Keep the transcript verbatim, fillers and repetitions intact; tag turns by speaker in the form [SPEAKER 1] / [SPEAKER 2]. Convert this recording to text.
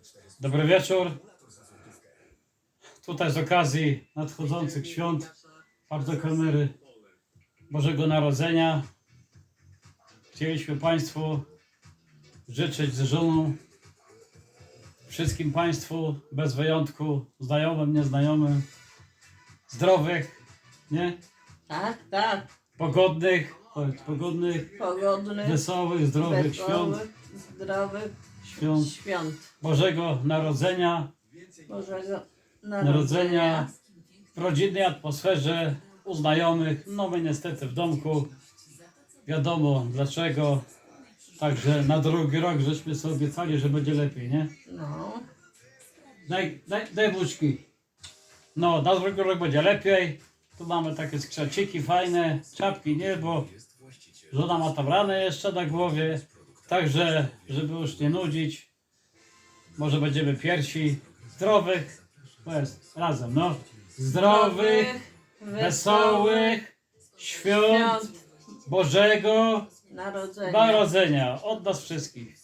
[SPEAKER 1] Dobry wieczór. Tutaj z okazji nadchodzących świąt, bardzo kamery Bożego Narodzenia, chcieliśmy Państwu życzyć z żoną, wszystkim Państwu bez wyjątku, znajomym, nieznajomym, zdrowych, nie?
[SPEAKER 2] Tak, tak.
[SPEAKER 1] Pogodnych, powiedz, pogodnych,
[SPEAKER 2] Pogodnych,
[SPEAKER 1] wesołych, zdrowych świąt,
[SPEAKER 2] wesołych, zdrowych
[SPEAKER 1] świąt
[SPEAKER 2] świąt
[SPEAKER 1] Bożego Narodzenia,
[SPEAKER 2] Bożego
[SPEAKER 1] Narodzenia w rodzinnej atmosferze, u znajomych, no my niestety w domku, wiadomo dlaczego, także na drugi rok żeśmy sobie obiecali, że będzie lepiej, nie?
[SPEAKER 2] No,
[SPEAKER 1] Daj, daj, daj buźki. No, na drugi rok będzie lepiej, tu mamy takie skrzeciki fajne, czapki nie, bo żona ma tam ranę jeszcze na głowie, także żeby już nie nudzić, może będziemy pierwsi, zdrowych, to jest razem, no, zdrowych, wesołych świąt
[SPEAKER 2] świąt
[SPEAKER 1] Bożego
[SPEAKER 2] Narodzenia.
[SPEAKER 1] Narodzenia od nas wszystkich.